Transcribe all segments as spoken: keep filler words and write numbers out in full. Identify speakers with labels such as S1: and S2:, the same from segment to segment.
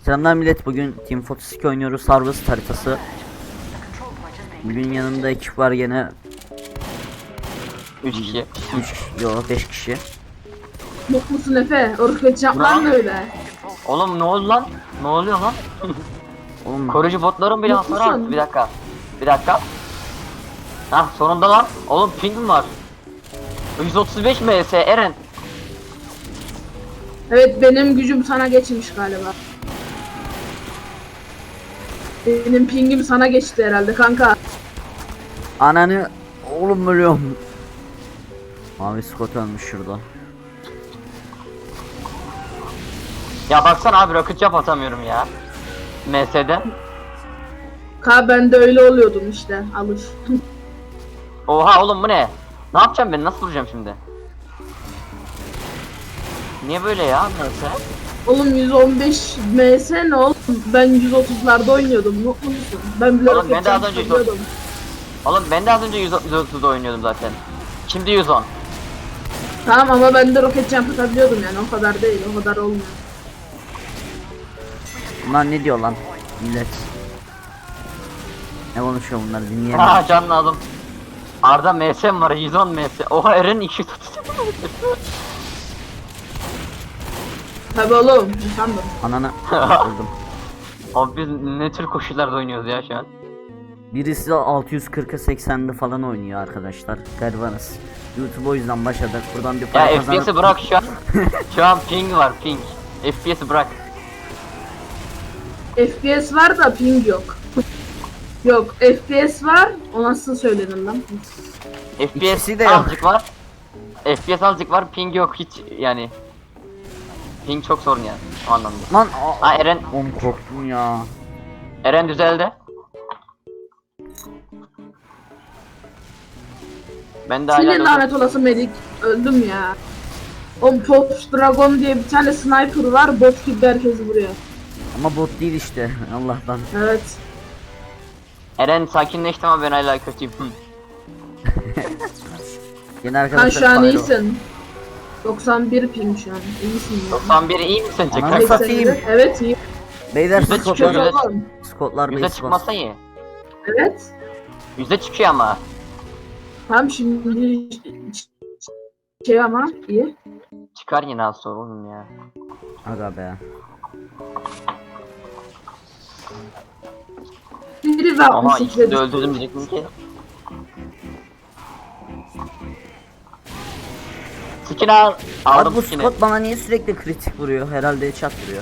S1: Selamlar millet, bugün Team otuz iki oynuyoruz, Harvest haritası. Bugün yanımda ekip var gene.
S2: üç kişi.
S1: üç yo beş kişi.
S3: Mutlusun Efe, orkut yaplar mı öyle?
S2: Oğlum ne oldu lan? Ne oluyor lan?
S1: Oğlum,
S2: Koruyucu botların bile
S3: Mutlusun.
S2: hasar aldı. Bir dakika. Bir dakika. Hah sonunda lan. Oğlum ping var. yüz otuz beş M S Eren.
S3: Evet, benim gücüm sana geçmiş galiba. Benim pingim sana geçti herhalde kanka.
S1: ananı oğlum ölüyorum. Mavi Scott ölmüş şurada.
S2: Ya baksana abi rocket jump atamıyorum ya. M S'de.
S3: Ka ben de öyle oluyordum işte, alış.
S2: Oha oğlum bu ne? Ne yapacağım ben? Nasıl vuracağım şimdi? Niye böyle ya M S?
S3: Oğlum yüz on beş M S ne oğlum? Ben yüz otuzlarda oynuyordum, mutlu musun? Ben bile
S2: Oğlum, ben de az önce yüz otuz
S3: yapıyordum.
S2: Oğlum ben de az önce yüz otuzda oynuyordum zaten. Şimdi yüz on.
S3: Tamam ama ben de roket jump atabiliyordum yani, o kadar değil, o kadar olmuyor.
S1: Bunlar ne diyor lan millet? Ne konuşuyor bunlar, dinleyelim.
S2: Ha can lazım. Arda M S var yüz on M S. Oha Eren iki yüz otuz.
S3: Tabii oğlum, sandım.
S1: Ananı öldüm.
S2: Abi biz ne tür koşullarda oynuyoruz ya şu an?
S1: Birisi altı yüz kırka seksende falan oynuyor arkadaşlar. Garibanız. YouTube o yüzden başladık. Buradan bir para
S2: Ya
S1: kazanıp...
S2: F P S'i bırak şu an. Şu an ping var ping. F P S'i bırak.
S3: F P S var da ping yok. Yok, F P S var, o nasıl söylenir lan?
S2: F P
S1: İkisi
S2: S
S1: de yok.
S2: azıcık var. F P S azıcık var ping yok hiç yani. Ping çok sorun yani o anlamda.
S1: Lan
S2: Ha Eren,
S1: oğlum korktum ya.
S2: Eren düzeldi. Ben de hala
S3: Senin lanet olası medik, öldüm ya. O Pop Dragon diye bir tane sniper var, bot gibi herkesi vuruyor.
S1: Ama bot değil işte Allah'tan.
S3: Evet.
S2: Eren sakinleşti ama ben hala kötüyüm. Hı.
S1: Yine
S3: Sen
S1: arkadaşlar
S3: şu an
S1: Pyro.
S3: iyisin. doksan bir ping şu an, iyisin ya.
S2: doksan bir iyi misin
S1: Anam
S2: sence?
S1: satayım.
S3: seksen'de Evet, iyi.
S1: Beyler
S2: Yüze
S1: Scottlar,
S2: çıkıyor, yüze-
S3: Oğlum.
S1: Scottlar
S2: Yüze
S1: base
S2: çıkmasa
S1: bas.
S2: iyi.
S3: Evet.
S2: Yüze çıkıyor ama.
S3: Tam şimdi şey ama iyi.
S2: Çıkar yine az sonra oğlum ya.
S1: Aga be.
S3: Biri ve
S2: Ama
S3: altmış sekiz
S2: ikisini de öldürdüm diyecektim ki. Skin al.
S1: Abi
S2: Aldım
S1: bu
S2: skin'i.
S1: Scott bana niye sürekli kritik vuruyor? Herhalde headshot vuruyor.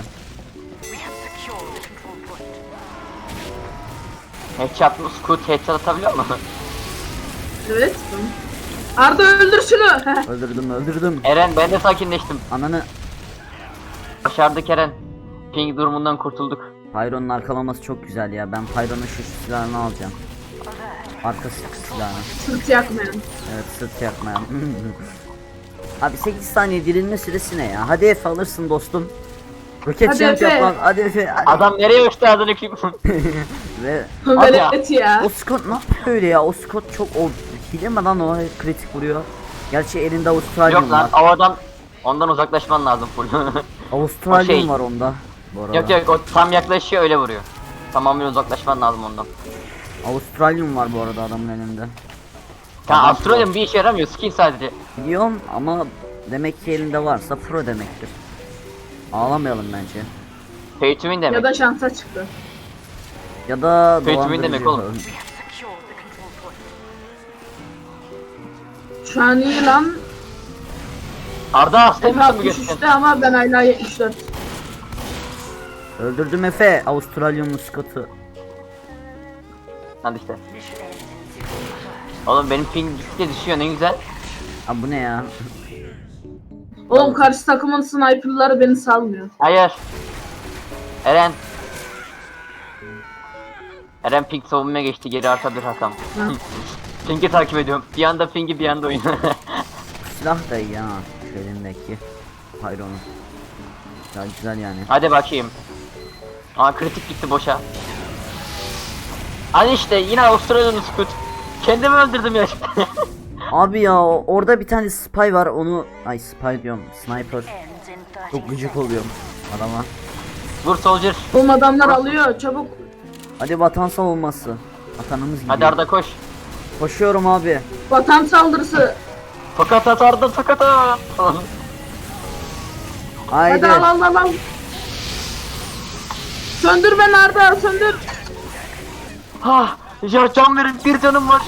S2: Headshot mı? Scoot headshot atabiliyor mu?
S3: Evet. Arda öldür şunu.
S1: Öldürdüm öldürdüm.
S2: Eren ben de sakinleştim.
S1: Ananı.
S2: Başardık Eren. Ping durumundan kurtulduk.
S1: Pyro'nun arkalaması çok güzel ya. Ben Pyro'nun şu silahını alacağım. Arka sıkı silahını.
S3: Sırt yakmayan.
S1: Evet, sırt yakmayan. Abi sekiz saniye dirilme süresi ne ya? Hadi Efe alırsın dostum. Roket
S3: Hadi
S1: jump
S3: Efe.
S1: yap lan. Hadi Efe. Hadi.
S2: Adam nereye uçtu adını kim?
S1: Ve
S2: Hadi ya.
S3: Velet ya.
S1: o Scott ne yapıyor öyle ya? O Scott çok o hile mi lan, o kritik vuruyor. Gerçi elinde Avustralyum
S2: Yok lan
S1: var.
S2: o adam ondan uzaklaşman lazım full.
S1: Avustralyum
S2: o şey-
S1: var onda. Bu arada.
S2: Yok yok o tam yaklaşıyor öyle vuruyor. Tamamen uzaklaşman lazım ondan.
S1: Avustralyum var bu arada adamın elinde.
S2: Ya
S1: Adam
S2: Avustralya'nın bir işe yaramıyor skin sadece.
S1: Biliyorum ama demek ki elinde varsa pro demektir. Ağlamayalım bence.
S2: Pay to win demek.
S3: Ya da şansa çıktı.
S1: Ya da
S2: Pay to win demek oğlum.
S3: Şu an iyi lan.
S2: Arda hasta
S3: Efe
S2: mısın bu
S3: altmış
S2: göstereyim?
S3: üçte ama ben hala yetmiş dört.
S1: Öldürdüm Efe. Avustralyumlu Scott'u.
S2: Hadi işte. Oğlum benim ping gittikçe düşüyor ne güzel.
S1: Abi bu ne ya?
S3: Oğlum karşı takımın sniperları beni salmıyor.
S2: Hayır. Eren. Eren ping savunmaya geçti geri arta bir rakam.
S3: Ha.
S2: Ping'i takip ediyorum. Bir anda ping'i bir anda oyun.
S1: Silah da iyi ha. Şu elindeki. Pyro'nun. Ya güzel yani.
S2: Hadi bakayım. Aa kritik gitti boşa. Hadi işte yine Avustralya'nın scoot. Kendimi öldürdüm ya.
S1: Abi ya o- orada bir tane spy var, onu ay spy diyorum, sniper. Çok gıcık oluyorum adama.
S2: Vur soldier.
S3: Oğlum adamlar alıyor çabuk.
S1: Hadi vatan savunması. Vatanımız gidiyor.
S2: Hadi Arda koş.
S1: Koşuyorum abi.
S3: Vatan saldırısı.
S2: Fakat at Arda fakat at.
S1: Haydi.
S3: Hadi al al al al. Söndür beni Arda söndür.
S2: Ha, ya can verin, bir canım var.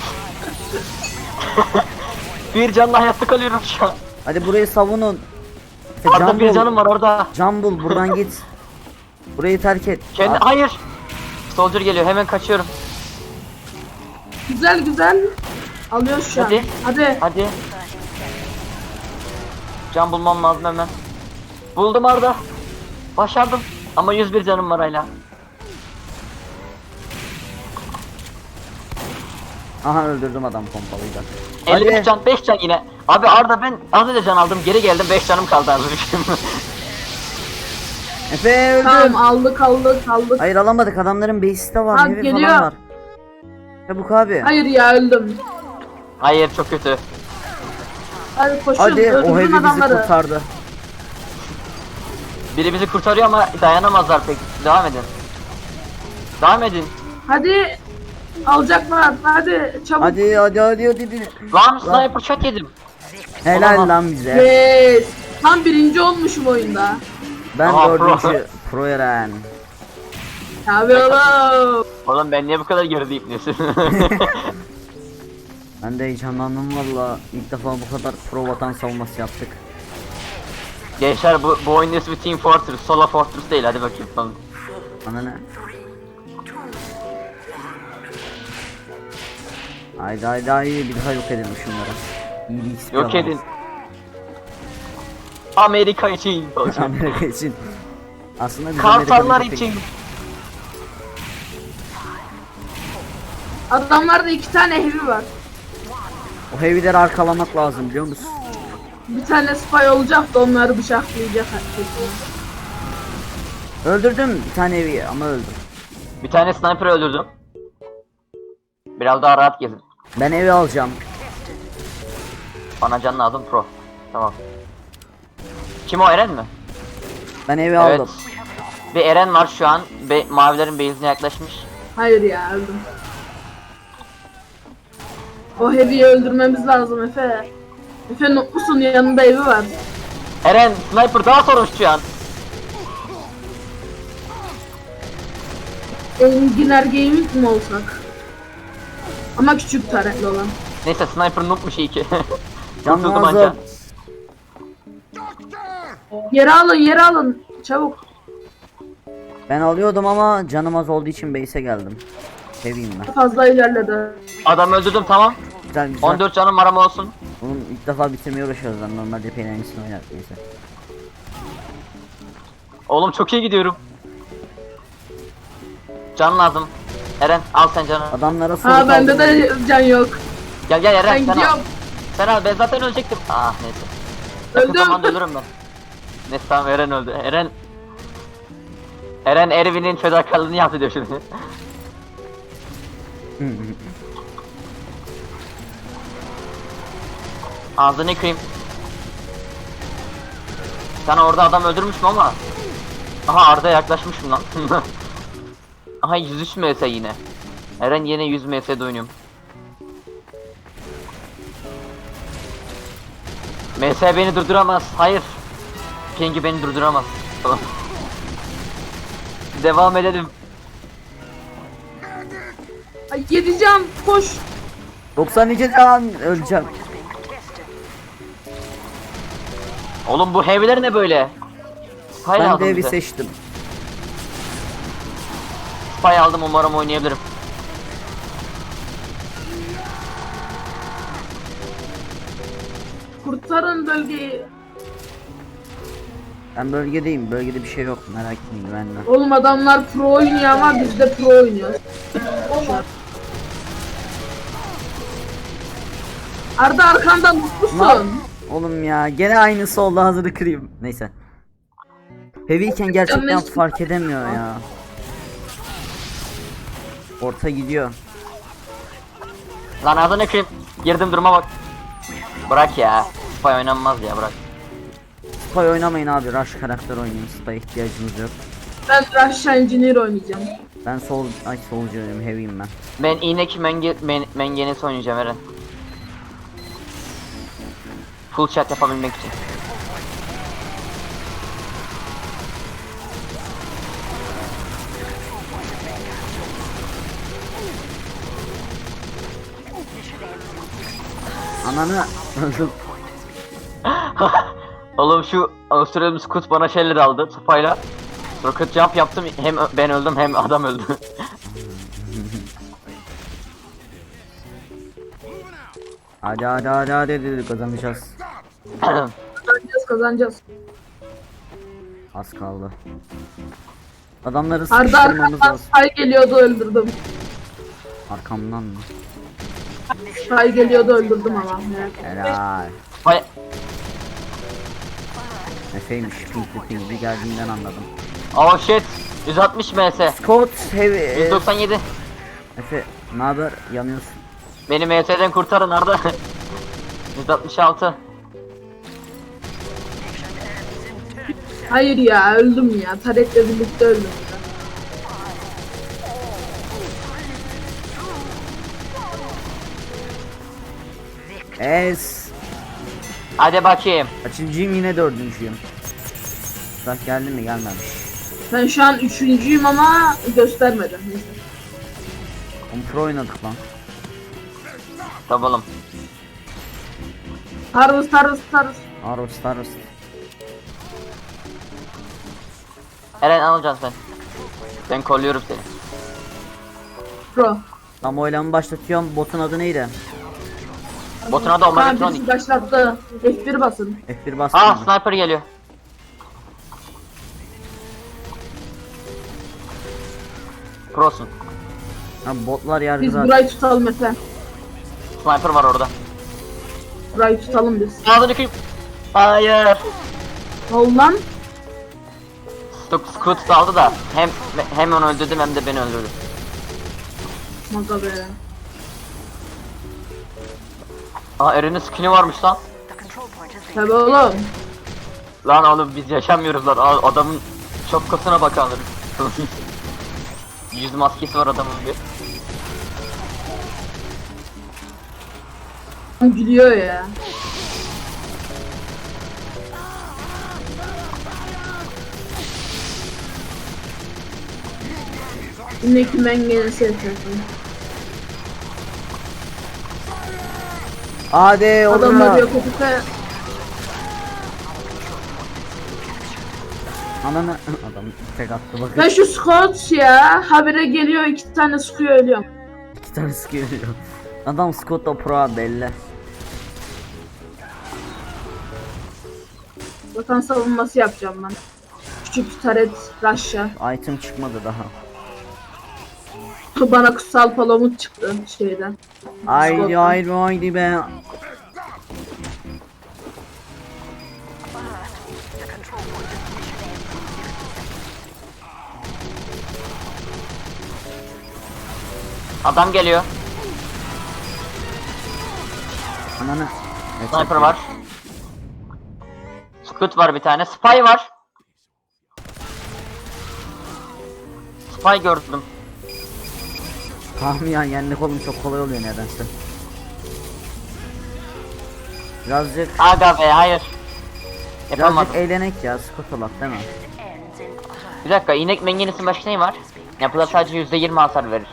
S2: Bir canla hayatta kalıyorum şu an.
S1: Hadi burayı savunun. Efe,
S2: Arda
S1: can
S2: bir
S1: bul.
S2: canım var orada.
S1: Can bul buradan git. Burayı terk et.
S2: Kendi
S1: Aa,
S2: hayır. Soldier geliyor, hemen kaçıyorum.
S3: Güzel güzel. Alıyor şu an.
S2: Hadi.
S3: Hadi.
S2: Hadi. Can bulmam lazım hemen. Buldum Arda. Başardım. Ama yüz bir canım var hala.
S1: Aha öldürdüm adam pompalıyla.
S2: elli beş
S1: Hadi.
S2: can, beş can yine. Abi Arda ben az önce can aldım, geri geldim, beş canım kaldı az önce.
S1: Efe öldüm.
S3: Tamam aldık aldık aldık.
S1: Hayır alamadık, adamların base'i de var.
S3: Ha,
S1: Heavy
S3: geliyor.
S1: falan var. Çabuk abi.
S3: Hayır ya öldüm.
S2: Hayır, çok kötü.
S3: Hadi koşun
S1: Hadi o
S3: öldürün
S1: heavy bizi
S3: adamları.
S1: kurtardı.
S2: Biri bizi kurtarıyor ama dayanamazlar pek. Devam edin. Devam edin.
S3: Hadi. Alacaklar hadi çabuk.
S1: Hadi hadi hadi hadi. hadi.
S2: Lan sniper shot yedim.
S1: Helal
S2: Olamaz.
S1: lan bize.
S3: Yes. Tam birinci olmuşum oyunda.
S1: Ben
S2: Aha, pro.
S1: dördüncü. Pro Eren.
S3: Tabii oğlum.
S2: Oğlum ben niye bu kadar gerideyim diyorsun?
S1: Ben de heyecanlandım valla. İlk defa bu kadar pro vatan savunması yaptık.
S2: Gençler bu, bu oyun ismi Team Fortress, Solo Fortress değil, hadi bakayım falan.
S1: Bana ne? Haydi haydi haydi bir daha yok edelim şunları. İyi bir X P
S2: Yok
S1: alalım.
S2: edin. Amerika için.
S1: Amerika için. Aslında biz
S2: Kartallar
S1: Amerika'nın
S2: için.
S3: Adamlarda iki tane heavy var.
S1: O heavy'leri arkalamak lazım biliyor musun?
S3: Bir tane spy olacak da onları bıçaklayacak herkes.
S1: Öldürdüm bir tane heavy'yi ama öldüm.
S2: Bir tane sniper öldürdüm. Biraz daha rahat gezin.
S1: Ben evi alacağım.
S2: Bana can lazım pro. Tamam. Kim o, Eren mi?
S1: Ben evi
S2: Evet.
S1: aldım.
S2: Bir Eren var şu an. Be mavilerin base'ine yaklaşmış.
S3: Hayır ya öldüm. O heavy'yi öldürmemiz lazım Efe. Efe mutlusun yanında evi var.
S2: Eren sniper daha sorun şu an.
S3: Enginar Gaming mi olsak? Ama küçük taretli olan.
S2: Neyse sniper noobmuş iyi ki.
S1: Can
S2: Kurtuldum
S1: lazım.
S2: anca.
S3: Yere alın yere alın. Çabuk.
S1: Ben alıyordum ama canım az olduğu için base'e geldim. Heavy'yim ben.
S3: Fazla ilerledi.
S2: Adam öldürdüm, tamam.
S1: Güzel güzel.
S2: on dört canım var ama olsun.
S1: Oğlum ilk defa bitirmeye uğraşıyoruz lan. Normalde epey aynısını oynar neyse.
S2: Oğlum çok iyi gidiyorum. Can lazım. Eren al sen canı.
S1: Adamlara soru
S3: Ha bende
S1: kaldırmayın.
S3: de can yok.
S2: Gel gel Eren
S3: Ben
S2: sen al.
S3: gidiyorum.
S2: Sen al, ben zaten ölecektim. Ah neyse. Yakın
S3: Öldüm.
S2: zamanda ölürüm ben. Neyse tamam, Eren öldü. Eren Eren Ervin'in fedakarlığını yaptı diyor şimdi. Ağzını kırayım. Sana orada adam öldürmüşüm ama. Aha Arda yaklaşmışım lan. Aha yüz üç M S yine. Eren yine yüz M S'de oynuyorum. M S beni durduramaz. Hayır. Ping'i beni durduramaz. Tamam. Devam edelim.
S3: Ay yedi can koş.
S1: doksan iki can öleceğim.
S2: Oğlum bu heavy'ler ne böyle? Spy
S1: Ben
S2: aldım
S1: de evi
S2: bize.
S1: seçtim.
S2: Spy aldım, umarım oynayabilirim.
S3: Kurtarın bölgeyi.
S1: Ben bölgedeyim. Bölgede bir şey yok. Merak etmeyin güvenle.
S3: Oğlum adamlar pro oynuyor ama biz de pro oynuyoruz. Arda arkandan mutlusun.
S1: Lan! Oğlum ya gene aynısı oldu, hazırı kırayım. Neyse. Heavy'yken gerçekten
S3: Yanlış-
S1: fark edemiyor ya. Orta gidiyor.
S2: Lan ağzını kırayım. Girdim duruma bak. Bırak ya. Spy oynanmaz ya, bırak.
S1: Spy oynamayın abi. Rush karakter oynayın. Spy ihtiyacınız yok.
S3: Ben Russia Engineer oynayacağım.
S1: Ben sol ay solcuyum, heavy'im ben.
S2: Ben iğnek menge, men, mengenesi oynayacağım Eren. Full chat yapabilmek için.
S1: Ananı öldüm.
S2: Oğlum şu Avustralyalı Scout bana şeyler aldı sopayla. Rocket jump yaptım, hem ö- ben öldüm hem adam öldü.
S1: Hadi hadi hadi hadi, hadi kazanacağız.
S3: Kazanacağız kazanacağız.
S1: Az kaldı. Adamları
S3: Arda
S1: sıkıştırmamız
S3: arkamdan
S1: lazım.
S3: Spy geliyordu öldürdüm.
S1: Arkamdan mı?
S3: Spy geliyordu öldürdüm ama. Evet.
S1: Helal.
S2: Vay,
S1: Efeymiş, pinkli pinkli geldiğinden anladım.
S2: oh shit, yüz altmış ms,
S1: Scott heavy. e,
S2: yüz doksan yedi.
S1: Efe ne haber? Yanıyorsun.
S2: Beni M S'den kurtarın Arda. yüz altmış altı.
S3: Hayır ya öldüm ya. Tarek'le birlikte öldüm ya.
S1: Es.
S2: Hadi bakayım.
S1: Kaçıncıyım, yine dördüncüyüm. Bak geldi mi, gelmemiş.
S3: Ben şu an üçüncüyüm ama göstermedim. Neyse.
S1: Oğlum pro oynadık lan.
S2: Tabalım.
S3: Harvest harvest harvest.
S1: Harvest harvest.
S2: Eren alacaksın sen. Ben kolluyorum seni.
S3: Pro.
S1: Tam oylamı başlatıyorum. Botun adı neydi?
S2: Botun adı
S3: Kaan
S2: Omegatronic.
S3: birisi başlattı. F bir basın.
S1: F bir bastım.
S2: Ah,
S1: mı?
S2: sniper geliyor. Prosun.
S1: Ha, botlar yargı
S3: Biz
S1: zaten.
S3: burayı tutalım Efe.
S2: Sniper var orada.
S3: Burayı tutalım biz.
S2: Ağzını kıyıp. Hayır.
S3: Ol lan.
S2: Scoot Scoot daldı da hem hem onu öldürdüm hem de beni öldürdü.
S3: Maga be.
S2: Aa, Eren'in skin'i varmış lan.
S3: Tabi oğlum.
S2: Lan oğlum biz yaşamıyoruz lan. Aa, adamın şapkasına bakalım. Yüz maskesi var adamın bir.
S3: Gülüyor ya. Yine ki ben gene sevdim.
S1: Hadi
S3: Adamlar
S1: orada.
S3: yok Efe.
S1: Ananı adam tek attı bakın.
S3: Ben şu Scott ya habire geliyor iki tane sıkıyor ölüyorum.
S1: İki tane sıkıyor. Adam Scott da pro belli.
S3: Vatan savunması yapacağım ben. Küçük taret Russia.
S1: Item çıkmadı daha.
S3: Bana kutsal palamut çıktı şeyden.
S1: Haydi
S3: Scott'tan.
S1: haydi haydi be.
S2: Adam geliyor.
S1: Ananı. Evet,
S2: Sniper var. Scoot var bir tane. Spy var. Spy gördüm.
S1: Tamam ya, yenmek oğlum çok kolay oluyor nedense. Birazcık
S2: Aga be hayır. Yapamadım.
S1: birazcık eğlenek ya, Scott olak değil mi?
S2: Bir dakika, inek mengenesinin başka neyi var? Yapıda sadece yüzde yirmi hasar verir.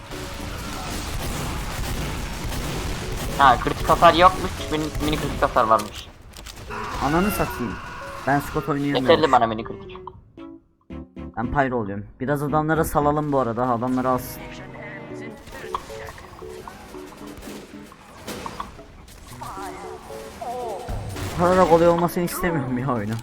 S2: Ha, kritik hasar yokmuş, mini, mini kritik hasar varmış.
S1: Ananı satayım. Ben Scott
S2: Yeterli
S1: oynayamıyorum.
S2: bana mini kritik.
S1: Ben pyro oluyorum. Biraz adamlara salalım bu arada. Adamları alsın. Bu kadar kolay olmasını istemiyorum ya oyunu.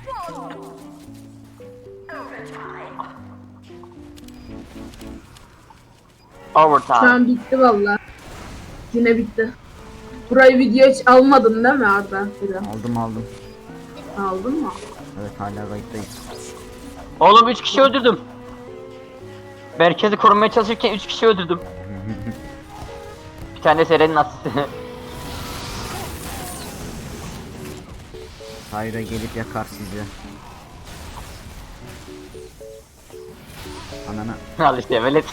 S3: Şu
S2: Overtime.
S3: an bitti valla. Yine bitti. Burayı video hiç almadın değil mi Arda? Bir de.
S1: Aldım aldım.
S3: Aldın mı?
S1: Evet, hala kayıttayız.
S2: Oğlum üç kişi öldürdüm. Merkezi korumaya çalışırken üç kişi öldürdüm. Bir tane Seren'in asisti.
S1: Pyro gelip yakar sizi. Anana.
S2: Al işte velet.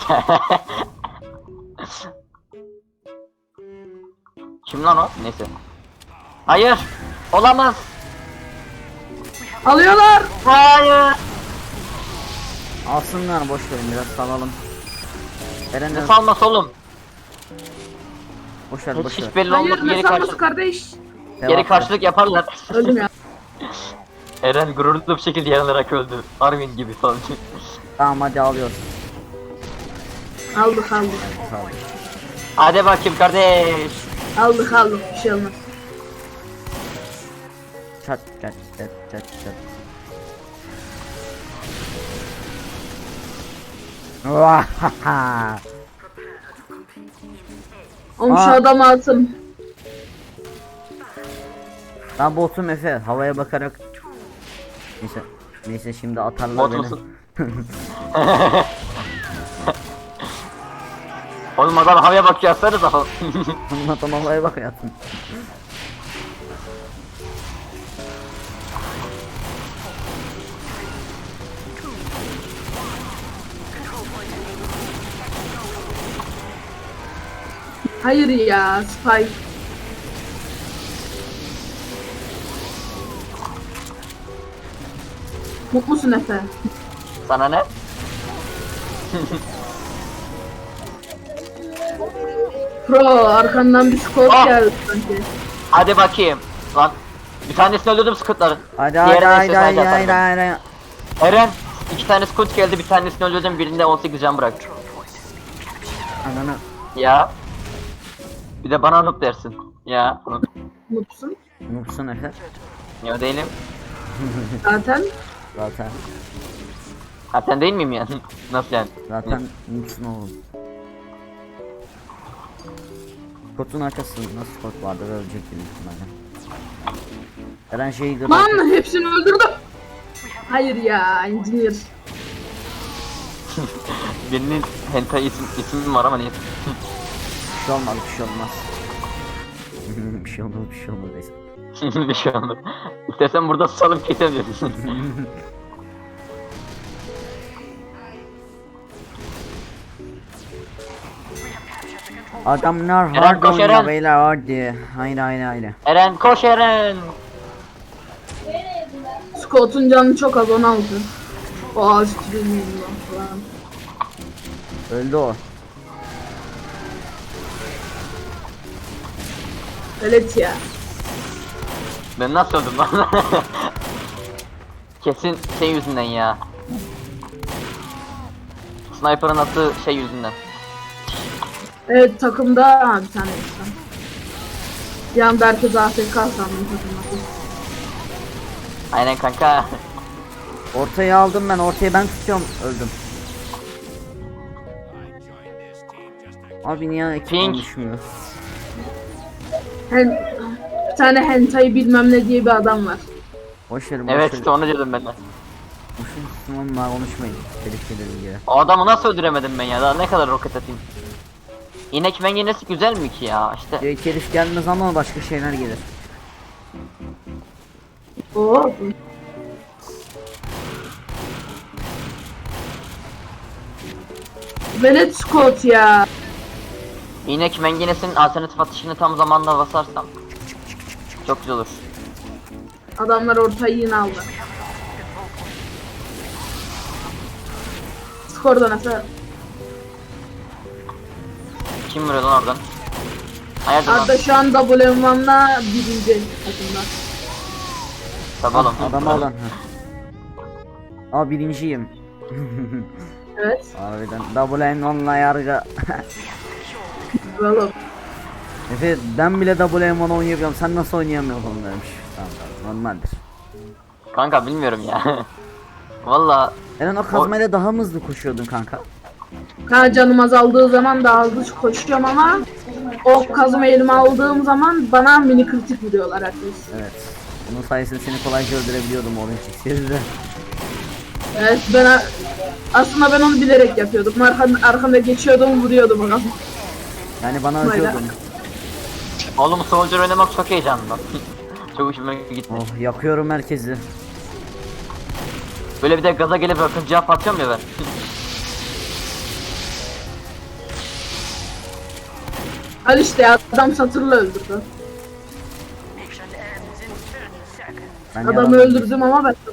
S2: Kim lan o? Neyse. Hayır. Olamaz.
S3: Alıyorlar.
S2: Hayır.
S1: Alsınlar, boş verin, biraz salalım. Eren
S2: Ne salması oğlum?
S1: boş ver,
S2: Hiç,
S1: boş ver.
S2: hiç belli
S3: Hayır
S2: olmaz.
S3: ne
S2: Geri,
S3: sanması
S2: karşı,
S3: kardeş?
S2: geri
S1: Devam.
S2: karşılık yaparlar.
S3: Öldüm ya.
S2: Eren gururlu bir şekilde yanılarak öldü. Armin gibi falan.
S1: Tamam hadi alıyoruz.
S3: Aldık aldık.
S1: Sağ ol.
S2: Hadi bakayım kardeş.
S3: Aldık aldık bir şey olmaz.
S1: Çat çat çat çat çat. Vahaha.
S3: Oğlum şu
S1: Aa.
S3: adamı atın.
S1: Ben botum Efe, havaya bakarak. Neyse, neyse şimdi atarlar
S2: Bot
S1: beni.
S2: musun? Oğlum adam havaya bakıyor aslanız ama.
S1: Adam havaya bak hayatım.
S3: Hayır ya Spike. Mutlusun Efe.
S2: Sana ne?
S3: Pro arkandan bir skor
S2: Ah.
S3: geldi sanki.
S2: Hadi bakayım. Lan bir tanesini öldürdüm Scout'ların.
S1: Hadi hadi
S2: Diğerine
S1: hadi
S2: ise
S1: hadi
S2: sadece
S1: hadi
S2: atardım.
S1: hadi.
S2: Eren iki tane Scout geldi, bir tanesini öldürdüm, birinde on sekiz can bırak.
S1: Ananı.
S2: Ya. Bir de bana noob dersin. Ya.
S3: Mutlusun.
S1: Mutlusun Efe.
S2: Ya değilim.
S3: Zaten.
S1: Zaten.
S2: Ha sen değil miyim yani? Nasıl yani?
S1: Zaten mutlusun oğlum. Kotun arkasında nasıl kot vardı ve ölecek gibi ihtimalle. Eren şeyi de
S3: Lan hepsini öldürdüm. Hayır ya engineer.
S2: Birinin hentai isim, ismi var ama niye?
S1: bir şey olmaz, bir şey olmaz. bir şey olmaz, bir şey olmaz neyse.
S2: bir şey oldu. İstersen burada susalım kesemiyorsun.
S1: Adamlar
S2: Eren,
S1: hard
S2: koş
S1: oynuyor
S2: Eren.
S1: beyler, hadi. Haydi haydi haydi.
S2: Eren koş Eren.
S3: Scott'un canı çok az onu aldı. O ağaç bilmiyorum falan.
S1: Öldü o.
S3: Evet ya.
S2: Ben nasıl öldüm lan? Kesin şey yüzünden ya. Sniper'ın attığı şey yüzünden.
S3: Evet takımda ha, bir tane insan. Bir anda herkes A F K sandım takımda.
S2: Aynen kanka.
S1: Ortayı aldım ben, ortayı ben tutuyorum, öldüm. Abi niye ekip
S2: Pink.
S1: konuşmuyor?
S3: Hen, bir tane hentai bilmem ne diye bir adam var.
S1: Boş verin, boş
S2: Evet
S1: verin.
S2: işte onu diyordum ben de.
S1: Boşun Müslümanlar konuşmayın. Tehlikeli ilgili.
S2: O adamı nasıl öldüremedim ben ya? Daha ne kadar roket atayım? İnek mengenesi güzel mi ki ya? İşte
S1: Direkt herif gelmez ama başka şeyler gelir.
S3: Oo. Velet Scott ya.
S2: inek mengenesinin alternatif atışını tam zamanında basarsam çok güzel olur.
S3: Adamlar ortayı yine aldı. Skorda nasıl?
S2: Kim vuruyor lan oradan? Hayırdır lan?
S3: Arda şu an W M one'la birinci takımda.
S2: Tabii oğlum.
S1: Adam alın. Ha. Aa birinciyim.
S3: Evet.
S1: Harbiden double M onunla yargı.
S3: Oğlum.
S1: Efe ben bile double M on oynayabiliyorum, sen nasıl oynayamıyorsun demiş. Tamam tamam, normaldir.
S2: Kanka bilmiyorum ya. Valla
S1: Eren o kazmayla daha mı hızlı koşuyordun kanka?
S3: Ha canım azaldığı zaman daha hızlı koşuyorum ama o kazma elime aldığım zaman bana mini kritik vuruyorlar herkes.
S1: Evet. Bunun sayesinde seni kolayca öldürebiliyordum Orange X'de.
S3: Evet ben a- aslında ben onu bilerek yapıyordum. Arkan, arkamda geçiyordum vuruyordum o kazma.
S1: Yani bana
S3: Vay be.
S1: acıyordun.
S2: oğlum Soldier oynamak çok heyecanlı lan. Çok hoşuma gitti.
S1: Oh yakıyorum herkesi.
S2: Böyle bir de gaza gelip akıncıya atıyorum ya ben.
S3: Al işte ya, adam satırla öldürdü.
S1: Ben
S3: Adamı
S1: yalan-
S3: öldürdüm ama ben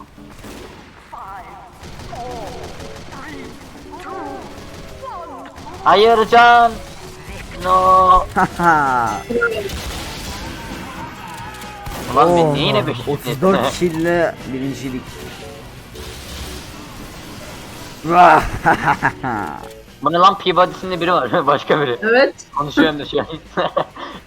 S2: Hayır can. No.
S1: Haha.
S2: Ulan ben
S1: Oh,
S2: niye yine beş
S1: otuz dört kille birincilik. Vah.
S2: Bu ne lan, Peabody'sinde biri var başka biri.
S3: evet.
S2: Konuşuyorum da şu an.